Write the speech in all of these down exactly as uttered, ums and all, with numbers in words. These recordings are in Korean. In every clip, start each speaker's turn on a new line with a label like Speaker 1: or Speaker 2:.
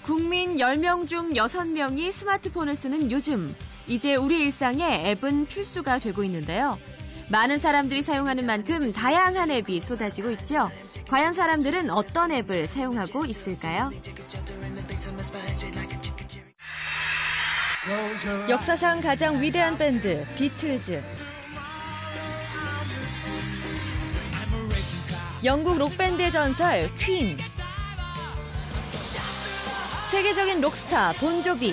Speaker 1: 국민 열 명 중 여섯 명이 스마트폰을 쓰는 요즘, 이제 우리 일상에 앱은 필수가 되고 있는데요. 많은 사람들이 사용하는 만큼 다양한 앱이 쏟아지고 있죠. 과연 사람들은 어떤 앱을 사용하고 있을까요? 역사상 가장 위대한 밴드, 비틀즈. 영국 록밴드의 전설, 퀸. 세계적인 록스타, 본조비.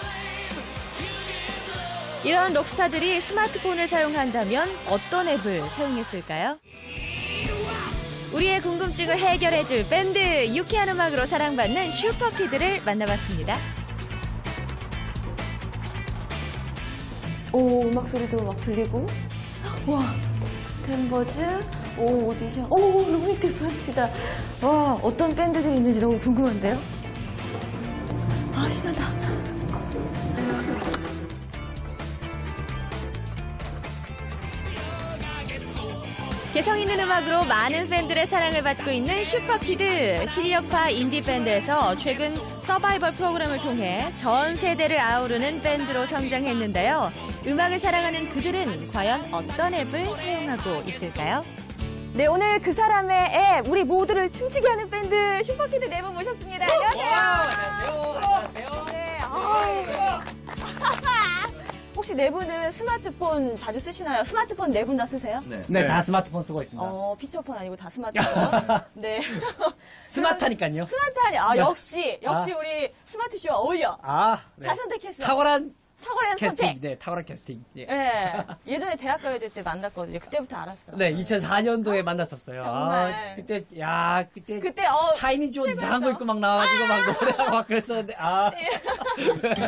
Speaker 1: 이런 록스타들이 스마트폰을 사용한다면 어떤 앱을 사용했을까요? 우리의 궁금증을 해결해줄 밴드, 유쾌한 음악으로 사랑받는 슈퍼키드를 만나봤습니다. 오, 음악 소리도 막 들리고. 와, 댄버즈, 오, 오디션, 오, 로맨틱 파티다. 와, 어떤 밴드들이 있는지 너무 궁금한데요? 아, 신나다. 개성 있는 음악으로 많은 팬들의 사랑을 받고 있는 슈퍼키드. 실력파 인디밴드에서 최근 서바이벌 프로그램을 통해 전 세대를 아우르는 밴드로 성장했는데요. 음악을 사랑하는 그들은 과연 어떤 앱을 사용하고 있을까요? 네, 오늘 그 사람의 앱, 우리 모두를 춤추게 하는 밴드 슈퍼키드 네 분 모셨습니다. 안녕하세요.
Speaker 2: 안녕하세요. 안녕하세요.
Speaker 1: 네, 아. 혹시 네 분은 스마트폰 자주 쓰시나요? 스마트폰 네 분 다 쓰세요?
Speaker 2: 네. 네, 다 스마트폰 쓰고 있습니다.
Speaker 1: 어, 피처폰 아니고 다 스마트폰. 네.
Speaker 2: 스마트하니까요.
Speaker 1: 스마트하니. 아,
Speaker 2: 네.
Speaker 1: 역시, 역시
Speaker 2: 아.
Speaker 1: 우리 스마트쇼와 어울려.
Speaker 2: 아, 네.
Speaker 1: 잘 선택했어.
Speaker 2: 탁월한
Speaker 1: 탁월한
Speaker 2: 캐스팅.
Speaker 1: 선택.
Speaker 2: 네, 탁월한 캐스팅. 예.
Speaker 1: 네. 예전에 대학가요제 때 만났거든요. 그때부터 알았어.
Speaker 2: 네, 이천사 년도에 만났었어요.
Speaker 1: 정말.
Speaker 2: 아, 그때, 야, 그때.
Speaker 1: 그때, 어.
Speaker 2: 차이니즈 옷 이상한 거 입고 막 나와가지고 막 노래하고 막 그랬었는데, 아.
Speaker 1: 네.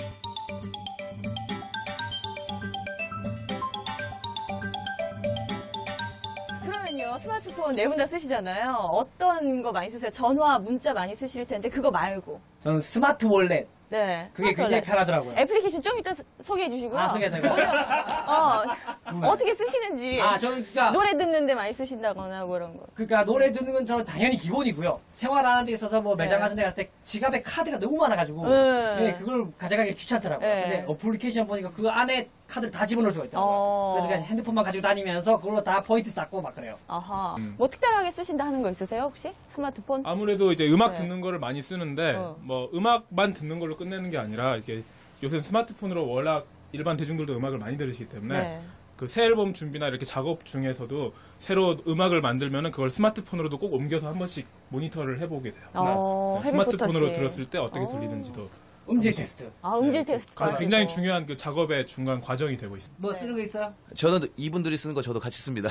Speaker 1: 그러면요, 스마트폰 네 분 다 쓰시잖아요. 어떤 거 많이 쓰세요? 전화, 문자 많이 쓰실 텐데, 그거 말고.
Speaker 2: 저는 스마트 월렛.
Speaker 1: 네.
Speaker 2: 그게 굉장히 편하더라고요.
Speaker 1: 애플리케이션 좀 이따 소개해 주시고요.
Speaker 2: 아, 소개해 드릴까요?
Speaker 1: 어, 어떻게 쓰시는지.
Speaker 2: 아, 저는 진짜.
Speaker 1: 노래 듣는데 많이 쓰신다거나 뭐 이런 거.
Speaker 2: 그러니까 노래 듣는 건 저 당연히 기본이고요. 생활하는 데 있어서 뭐 매장
Speaker 1: 네.
Speaker 2: 같은 데 갔을 때 지갑에 카드가 너무 많아가지고
Speaker 1: 네.
Speaker 2: 네, 그걸 가져가기 귀찮더라고요.
Speaker 1: 네.
Speaker 2: 근데 어플리케이션 보니까 그 안에 카드를 다 집어넣을 수가 있더라고요.
Speaker 1: 어.
Speaker 2: 그래서 그냥 핸드폰만 가지고 다니면서 그걸로 다 포인트 쌓고 막 그래요.
Speaker 1: 아하.
Speaker 3: 음.
Speaker 1: 뭐 특별하게 쓰신다 하는 거 있으세요, 혹시? 스마트폰?
Speaker 3: 아무래도 이제 음악
Speaker 1: 네.
Speaker 3: 듣는 거를 많이 쓰는데
Speaker 1: 어.
Speaker 3: 뭐 음악만 듣는 걸로 끝내는 게 아니라 이게 요새 스마트폰으로 워낙 일반 대중들도 음악을 많이 들으시기 때문에
Speaker 1: 네.
Speaker 3: 그 새 앨범 준비나 이렇게 작업 중에서도 새로 음악을 만들면은 그걸 스마트폰으로도 꼭 옮겨서 한 번씩 모니터를 해보게 돼요.
Speaker 1: 어,
Speaker 3: 네. 스마트폰으로
Speaker 1: 헤비포터식.
Speaker 3: 들었을 때 어떻게
Speaker 1: 어.
Speaker 3: 들리는지도
Speaker 2: 음질 테스트.
Speaker 1: 아, 음질 테스트.
Speaker 3: 가- 굉장히 중요한 그 작업의 중간 과정이 되고 있습니다.
Speaker 2: 뭐 쓰는 거 있어요?
Speaker 4: 저는 이분들이 쓰는 거 저도 같이 씁니다.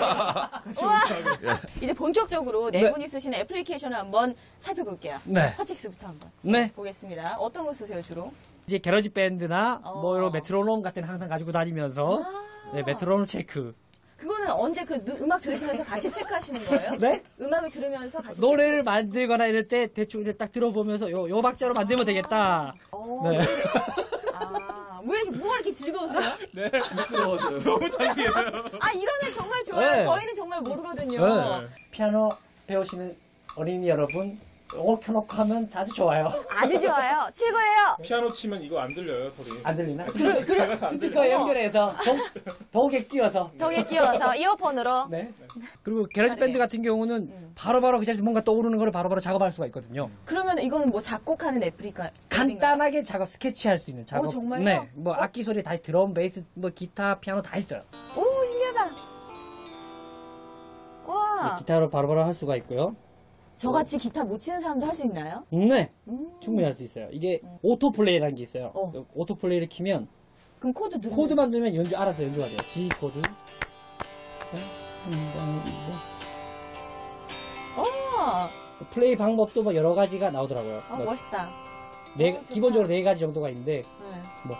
Speaker 1: 이제 본격적으로 네
Speaker 2: 네.
Speaker 1: 분이 쓰시는 애플리케이션을 한번 살펴볼게요.
Speaker 2: 네.
Speaker 1: 터칙스부터 한번
Speaker 2: 네.
Speaker 1: 보겠습니다. 어떤 거 쓰세요, 주로?
Speaker 2: 이제 게러지 밴드나
Speaker 1: 어.
Speaker 2: 뭐 이런 메트로놈 같은 거 항상 가지고 다니면서
Speaker 1: 아.
Speaker 2: 네, 메트로놈 체크.
Speaker 1: 그거는 언제 그 누- 음악 들으시면서 같이 체크하시는 거예요?
Speaker 2: 네?
Speaker 1: 음악을 들으면서 같이
Speaker 2: 노래를 만들거나 이럴 때 대충 이렇게 딱 들어보면서 요, 요 박자로 만들면 되겠다.
Speaker 1: 어,
Speaker 2: 네.
Speaker 1: 아, 왜 이렇게, 뭐가 이렇게 즐거우세요?
Speaker 3: 네, 너무 창피해요.
Speaker 1: 아, 이러면 정말 좋아요.
Speaker 2: 네.
Speaker 1: 저희는 정말 모르거든요.
Speaker 2: 네. 피아노 배우시는 어린이 여러분, 요거 켜놓고 하면 아주 좋아요.
Speaker 1: 아주 좋아요. 최고예요.
Speaker 3: 피아노 치면 이거 안 들려요, 소리.
Speaker 2: 안 들리나?
Speaker 1: 그래, 그래.
Speaker 3: 작아서 안 들려요.
Speaker 2: 스피커 연결해서 동, 독에 끼워서.
Speaker 1: 벽에 끼워서 이어폰으로.
Speaker 2: 네. 그리고 게러지 밴드 같은 경우는 바로바로 그 자리에서 뭔가 떠오르는 걸 바로바로 작업할 수가 있거든요.
Speaker 1: 그러면 이거는 뭐 작곡하는 애플리카?
Speaker 2: 간단하게 작업, 스케치할 수 있는 작업.
Speaker 1: 어, 정말요?
Speaker 2: 네. 뭐 악기 소리 다, 드럼, 베이스, 뭐 기타, 피아노 다 있어요.
Speaker 1: 오, 신기하다. 와.
Speaker 2: 기타로 바로바로 할 수가 있고요.
Speaker 1: 저같이 기타 못 치는 사람도 할 수 있나요?
Speaker 2: 네.
Speaker 1: 음.
Speaker 2: 충분히 할 수 있어요. 이게 오토플레이라는 게 있어요.
Speaker 1: 어.
Speaker 2: 그 오토플레이를 키면
Speaker 1: 그럼 코드 누르
Speaker 2: 코드만 넣으면 연주, 알아서 연주가 돼요. G 코드.
Speaker 1: 어,
Speaker 2: 플레이 방법도 뭐 여러 가지가 나오더라고요.
Speaker 1: 어
Speaker 2: 뭐
Speaker 1: 멋있다.
Speaker 2: 네,
Speaker 1: 어, 좋다.
Speaker 2: 기본적으로 네 가지 정도가 있는데,
Speaker 1: 네.
Speaker 2: 뭐,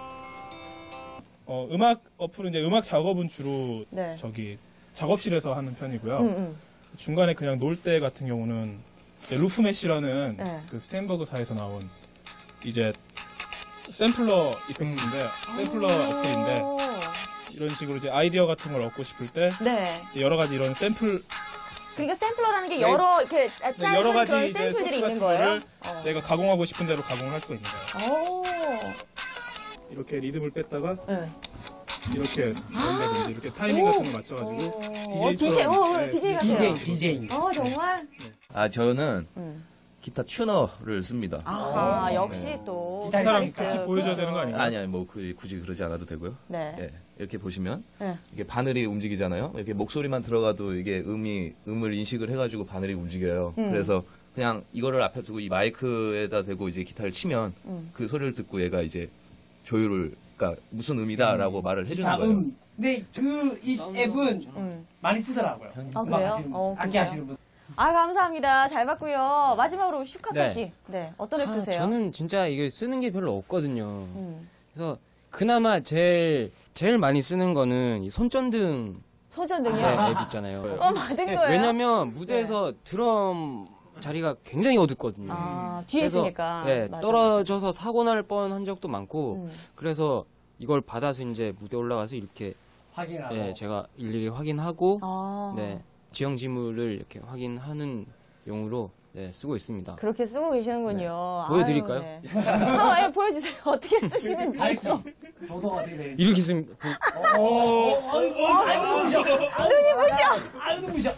Speaker 3: 어, 음악 어플은 이제 음악 작업은 주로
Speaker 1: 네.
Speaker 3: 저기 작업실에서 하는 편이고요.
Speaker 1: 음, 음.
Speaker 3: 중간에 그냥 놀 때 같은 경우는 이제 루프메시라는
Speaker 1: 네.
Speaker 3: 그 스탠버그사에서 나온 이제 샘플러 이펙트인데 샘플러 어플인데
Speaker 1: 오.
Speaker 3: 이런 식으로 이제 아이디어 같은 걸 얻고 싶을 때
Speaker 1: 네.
Speaker 3: 여러 가지 이런 샘플
Speaker 1: 그러니까 샘플러라는 게 여러 이렇게
Speaker 3: 네,
Speaker 1: 짧은
Speaker 3: 여러 가지
Speaker 1: 그런
Speaker 3: 이제
Speaker 1: 샘플들이
Speaker 3: 소스
Speaker 1: 있는
Speaker 3: 같은
Speaker 1: 거예요.
Speaker 3: 거를
Speaker 1: 어.
Speaker 3: 내가 가공하고 싶은 대로 가공을 할 수 있는 거예요.
Speaker 1: 오.
Speaker 3: 이렇게 리듬을 뺐다가
Speaker 1: 네.
Speaker 3: 이렇게 연다든지 이렇게 타이밍 같은 걸 맞춰가지고
Speaker 1: 어, 디제이,
Speaker 3: 디제이처럼
Speaker 1: 어, 디제이 같아요.
Speaker 2: 디제이, 디제이.
Speaker 1: 어, 정말?
Speaker 4: 아, 저는
Speaker 1: 음.
Speaker 4: 기타 튜너를 씁니다.
Speaker 1: 아하, 역시 또.
Speaker 3: 기타랑
Speaker 1: 기타리스트.
Speaker 3: 같이 보여줘야 되는 거 아닌가요?
Speaker 4: 아니, 아니, 뭐, 그, 굳이 그러지 않아도 되고요.
Speaker 1: 네.
Speaker 4: 예, 이렇게 보시면,
Speaker 1: 네.
Speaker 4: 이게 바늘이 움직이잖아요. 이렇게 목소리만 들어가도 이게 음이, 음을 인식을 해가지고 바늘이 움직여요.
Speaker 1: 음.
Speaker 4: 그래서 그냥 이거를 앞에 두고 이 마이크에다 대고 이제 기타를 치면
Speaker 1: 음.
Speaker 4: 그 소리를 듣고 얘가 이제 조율을, 그러니까 무슨 음이다라고 말을 해주는 거예요.
Speaker 2: 다음. 근데 그 이 앱은
Speaker 1: 음.
Speaker 2: 많이 쓰더라고요.
Speaker 1: 아,
Speaker 2: 음악
Speaker 1: 그래요?
Speaker 2: 하시는 분,
Speaker 1: 어,
Speaker 2: 악기
Speaker 1: 그래요?
Speaker 2: 하시는 분.
Speaker 1: 아, 감사합니다. 잘 봤고요. 마지막으로 슈카카
Speaker 5: 네.
Speaker 1: 씨. 네. 어떤 앱
Speaker 5: 아,
Speaker 1: 쓰세요?
Speaker 5: 저는 진짜 이게 쓰는 게 별로 없거든요.
Speaker 1: 음.
Speaker 5: 그래서 그나마 제일 제일 많이 쓰는 거는 이 손전등
Speaker 1: 손전등이요?
Speaker 5: 네, 앱 있잖아요.
Speaker 1: 어, 받은
Speaker 5: 네,
Speaker 1: 거예요?
Speaker 5: 왜냐면 무대에서 드럼 자리가 굉장히 어둡거든요.
Speaker 1: 아, 뒤에
Speaker 5: 그래서,
Speaker 1: 있으니까.
Speaker 5: 네,
Speaker 1: 맞아,
Speaker 5: 떨어져서 사고 날 뻔한 적도 많고
Speaker 1: 음.
Speaker 5: 그래서 이걸 받아서 이제 무대 올라가서 이렇게
Speaker 2: 확인하고.
Speaker 5: 네, 제가 일일이 확인하고
Speaker 1: 아.
Speaker 5: 네, 지형 지물을 이렇게 확인하는 용으로 네, 쓰고 있습니다.
Speaker 1: 그렇게 쓰고 계시는군요.
Speaker 5: 네. 보여드릴까요?
Speaker 1: 아유, 네. 아, 예, 보여주세요. 어떻게 쓰시는지.
Speaker 2: 알죠? 저도 어떻게 되는지.
Speaker 5: 이렇게 씁니다.
Speaker 2: 오, 어, 아이고, 아이고, 눈부셔. 눈이 부셔. 아이고, 눈부셔.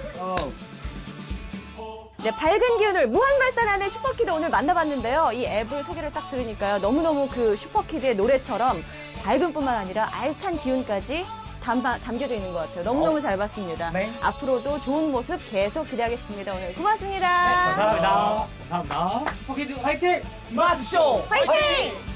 Speaker 1: 네, 밝은 기운을 무한 발산하는 슈퍼키드 오늘 만나봤는데요. 이 앱을 소개를 딱 들으니까요. 너무너무 그 슈퍼키드의 노래처럼 밝음뿐만 아니라 알찬 기운까지 담아, 담겨져 있는 것 같아요. 너무너무 잘 봤습니다.
Speaker 2: 네.
Speaker 1: 앞으로도 좋은 모습 계속 기대하겠습니다. 오늘 고맙습니다.
Speaker 2: 감사합니다. 감사합니다. 슈퍼키드 화이팅! 스마트 쇼!
Speaker 1: 화이팅!